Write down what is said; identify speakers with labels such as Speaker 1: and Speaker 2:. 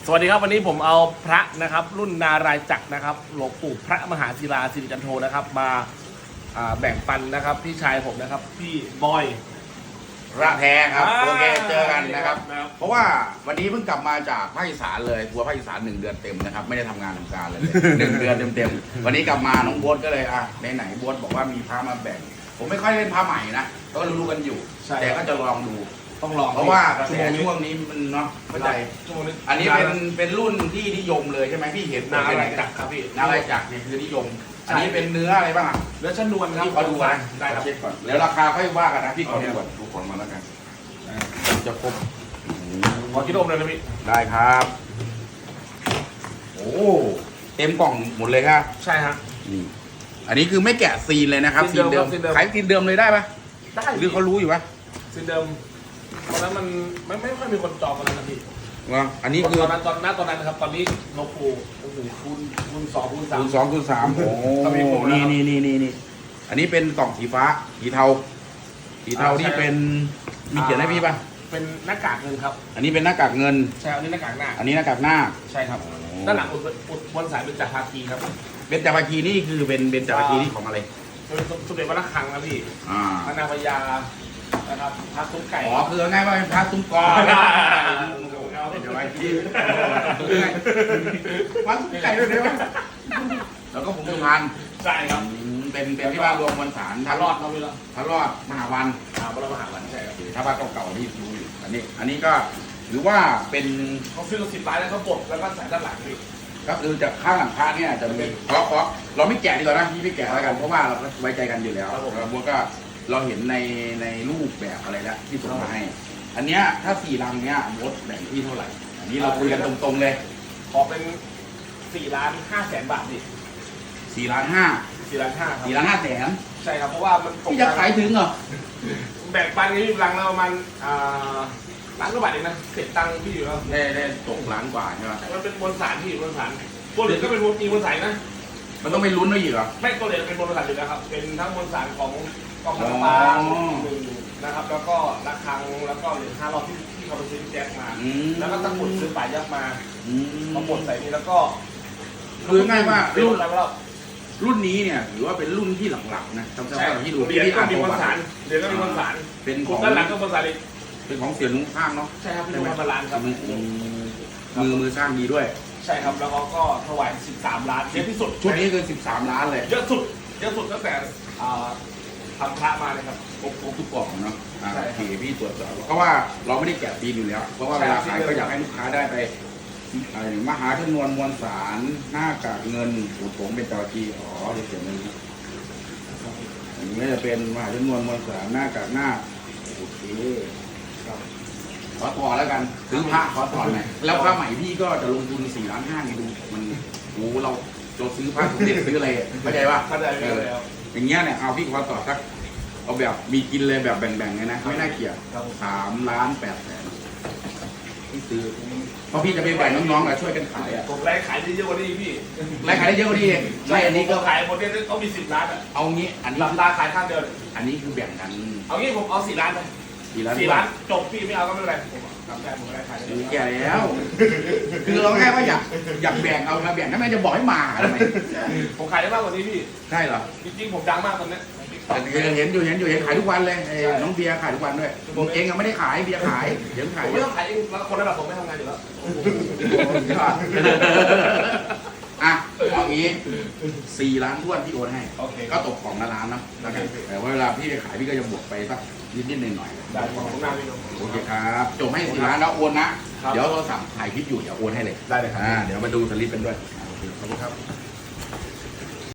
Speaker 1: สวัสดีครับวันนี้ผมเอาพระนะครับรุ่นนารายจักรนะครับหลวงปู่พระมหาศิลาสิริจันโทนะครับมาแบ่งปันนะครับพี่ชายผมนะครับพี่บอย
Speaker 2: ระแท้ครับโอเคเจอกันนะครับ
Speaker 1: ครับ
Speaker 2: เพราะว่าวันนี้เพิ่งกลับมาจากภาคอีสานเลยทัวร์ภาคอีสาน1 เดือนเต็มนะครับไม่ได้ทำงานทำการเลย 1 เดือนเต็มๆวันนี้กลับมาน้องโบ๊ทก็เลยไหนโบ๊ทบอกว่ามีพระมาแบ่ง ผมไม่ค่อยเล่นพระใหม่นะก็รู้กันอยู่แต่ก็จะลองดู
Speaker 1: ต้องลอง
Speaker 2: เพราะว่ากระแสช่วงนี้มันเนาะเข้าใจ
Speaker 1: ชั่วโมงนี้
Speaker 2: อันนี้เป็นรุ่นที่นิยมเลยใช่ไหมพี่เห็น
Speaker 1: นารายจักรครับพี่
Speaker 2: นารายจักรเนี่ยคือนิยม อันนี้เป็นเนื้ออะไรบ้างอ่ะ
Speaker 1: เนื้อชั้นนวลครับ
Speaker 2: พี่ขอดูก่อน
Speaker 1: ได้ครับ
Speaker 2: เช็คก่อนแล้วราคาค่อยว่ากันนะพี่ขอดูก่อนดูของมาแล้วกันจะครบ
Speaker 1: ขอคิดอมเลยนะพี่
Speaker 2: ได้ครับ โอ้เต็มกล่องหมดเลยครับ
Speaker 1: ใช่ฮะ
Speaker 2: นี่อันนี้คือไม่แกะซีนเลยนะครับ
Speaker 1: ซีนเดิม
Speaker 2: ขายซีนเดิมเลยได้ปะ
Speaker 1: ได้
Speaker 2: หรือเขารู้อยู่ปะ
Speaker 1: ซีนเดิมตอนนั้นมันไม่ค่อยมีคนจองกันแล้วนะพี่
Speaker 2: ว่าอันนี้คือ
Speaker 1: ตอนนั้นนะครับตอนนี้หลวงปู่โอ้โหคูณ2คูณ3
Speaker 2: คูณ2คูณ3โอ้
Speaker 1: ก็มีผมแล้ว
Speaker 2: นี่อันนี้เป็นกล่องสีฟ้าสีเทาสีเทานี่เป็นมีเขียนให้พี่ปะ
Speaker 1: เป็นหน้ากากเงินครับ
Speaker 2: อันนี้เป็นหน้ากากเงิน
Speaker 1: ใช่อันนี้หน้ากากหน้า
Speaker 2: อันนี้หน้ากากหน้า
Speaker 1: ใช่ครับด้านหลังอุดบนสายเป็นจักรภาคีครับ
Speaker 2: เบญจภาคีนี่คือเป็นเบญจภาคีนี่ของอะไร
Speaker 1: เป็นสมเด็จวัดระฆังนะพี่
Speaker 2: อ่า
Speaker 1: พระนางพญานะครับพระตุ้มไก่
Speaker 2: อ๋อคือง่ายๆว่าเป็นพระตุ้มกอนะเดี๋ยวไว้ที่วัดตุ้มไก่ด้วยเดี๋ยวแล้วก็ผมสุพรรณ
Speaker 1: ใช่ครับ
Speaker 2: เป็นที่ว่ารวมมวลสาร
Speaker 1: ทารอดเราไปแล้ว
Speaker 2: ทารอดมหาวัน
Speaker 1: พระมหาวันใช่ครับ
Speaker 2: ถ้าว่าเก่าๆที่ดูอยู่อันนี้ก็ถือว่าเป็น
Speaker 1: เขาซื้อ10 ล้านแล้วเขาบดแล้วก็ใส่ด้านหลังพี่
Speaker 2: ก็คือจากข้างหลังพระเนี่ยจะมีเพราะเราไม่แกะดีกว่านะพี่ไม่แกะแล้วกันเพราะว่าเราไว้ใจกันอยู่แล้วแล้วบัวก็เราเห็นในรูปแบบอะไรแล้วที่ส่งมาให้ อันเนี้ยถ้า4 ลังเนี้ยมดแบ่งที่เท่าไหร่อันนี้เราคุยกันตรงๆเลย
Speaker 1: ขอเป็น4,500,000 บาทดิ
Speaker 2: 4 ล้าน
Speaker 1: 4,500,000ครับ
Speaker 2: 4 ล้าน 5 แสน
Speaker 1: ใช่ครับเพราะว่ามันตก
Speaker 2: พี่จะขายถึงเหรอ
Speaker 1: แบ่งปันกันที่รังละประมาณล้านกว่าบาทเองนะเก็บตังค์พี่อยู่แล้ว
Speaker 2: ได้ตกล้านกว่าใช่ไหม
Speaker 1: มันเป็นมวลสารพี่มวลสารตัวเหลืองก็เป็นมีมวลสารนะ
Speaker 2: มันต้องไปลุ้นด้วยอีกเหรอ
Speaker 1: ไม่ตัวเหลืองเป็นมวลสารอยู่แล้วครับเป็นทั้งมวลสารของกองทัพบาลหนึ่งนะครับแล้วก็ระฆังแล้วก็เหรียญ5 รอบที่เขาไปซื้อแจ็คมาแล้วก็ตะกรุดซื้อป่ายักษ์มามาบดใส่นี่แล้วก็
Speaker 2: คือง่ายว่า
Speaker 1: รุ่
Speaker 2: รุ่
Speaker 1: น
Speaker 2: น
Speaker 1: อะไรแล้ว
Speaker 2: รุ่นนี้เนี่ยถือว่าเป็นรุ่นที่หลักๆนะจำ
Speaker 1: ใช่
Speaker 2: ๆที่ดู
Speaker 1: เหรียญ
Speaker 2: ที่
Speaker 1: ก็
Speaker 2: อ่าน
Speaker 1: มี
Speaker 2: ป
Speaker 1: มว
Speaker 2: ระ
Speaker 1: ล
Speaker 2: วั
Speaker 1: สาร
Speaker 2: ติ
Speaker 1: เหรียญก็มีมวลสาร
Speaker 2: เป็นข
Speaker 1: คุ
Speaker 2: อ
Speaker 1: ณ
Speaker 2: ง
Speaker 1: ด้านหลังก็มวลสารอีก
Speaker 2: เป็นของเสียลุงข้างเนาะ
Speaker 1: ใช่ครับพี่ลุงมาล้านครับ
Speaker 2: มือสร้างดีด้วย
Speaker 1: ใช่ครับแล้วเขาก็ถวาย13 ล้านเยอะที่สุด
Speaker 2: ชุดนี้คือ13 ล้านเลย
Speaker 1: เยอะสุดตั้งแต่ทำพระมาเลยครับ
Speaker 2: ครบทุกกล่องเนาะ
Speaker 1: ใช่
Speaker 2: โอเคพี่ตรวจสอบเพราะว่าเราไม่ได้แกะปีนอยู่แล้ว เพราะว่าเวลาขายก็อยากให้ลูกค้าได้ไปมหาชนวนมวลสารหน้ากากเงินสูตรผงเป็นตะกีอ๋อเดี๋ยวเขียนนี้อันนี้จะเป็นมหาชนวนมวลสารหน้ากากหน้าโอเคครับขอต่อแล้วกันซื้อพระขอต่อหน่อยแล้วพระใหม่พี่ก็จะลงทุน4 ล้าน 5นี่ดูมันโอ้เราซื้อพระสมเด็จซื้ออะไรเข้าใจป่ะ
Speaker 1: เข้าใจแล้ว
Speaker 2: อย่างเงี้ยเนี่ยเอาพี่ขอต่อสักเอาแบบมีกินเลยแบบแบ่งๆเลยนะไม่น่าเกลียด3,800,000ที่ซื้อเพราะพี่จะไปแบ่งน้องๆกับช่วยกันขายอ่ะ
Speaker 1: ผมไล่ขายได้เยอะกว่านี้พี่
Speaker 2: รายขายได้เยอะกว่านี้เองไม่อันนี้ก็
Speaker 1: ขายหมดเนี่ยเขามี10 ล้านอ่ะ
Speaker 2: เอางี้อันนี้
Speaker 1: หลับตาขายข้างเดียว
Speaker 2: อันนี้คือแบ่งกัน
Speaker 1: เอางี้ผมเอา4 ล้านไป
Speaker 2: 4 ล้าน
Speaker 1: 4 ล้านจบพี่ไม่เอาก็ไม่เป็นไรผมทำได้ผมก็ได้ขายได้
Speaker 2: แก่แล้ว คือเราแค่ว่าอยากแบ่งเอามาแบ่งทำไมจะบอกให้มาทำไม
Speaker 1: ผมขายได้มากกว่านี้พี่
Speaker 2: ใช่เหรอ
Speaker 1: จริงๆผมดังมากตอนนี้
Speaker 2: เห็นอยู่ขายทุกวันเลยน้องเบียร์ขายทุกวันด้วยผมเองยังไม่ได้ขายเบียร์ขายเดี๋ยว
Speaker 1: ผ
Speaker 2: ขาย
Speaker 1: มไม่ต้องขายเองแล้วคนระดับผมไม่ทำงานอยู่แล้ว
Speaker 2: อ่ะเอางี้4 ล้านท้วนที่โอนให้
Speaker 1: โอเค
Speaker 2: ก็ตกของละล้านเนาะแล้วกันแต่ว่าเวลาพี่ไปขายพี่ก็จะบวกไปสักนิดๆหน่อยๆ
Speaker 1: ได้ของหน้าพี่น้อง
Speaker 2: โอเคครับจบให้4 ล้านแล้วโอนนะ เดี๋ยวโทรศัพท์ถ่ายคลิปอยู่เดี๋ยวโอนให้เลย
Speaker 1: ได้เลยครับ
Speaker 2: เดี๋ยวมาดูสลิปเป็นด้วยโอเคขอบคุณครับ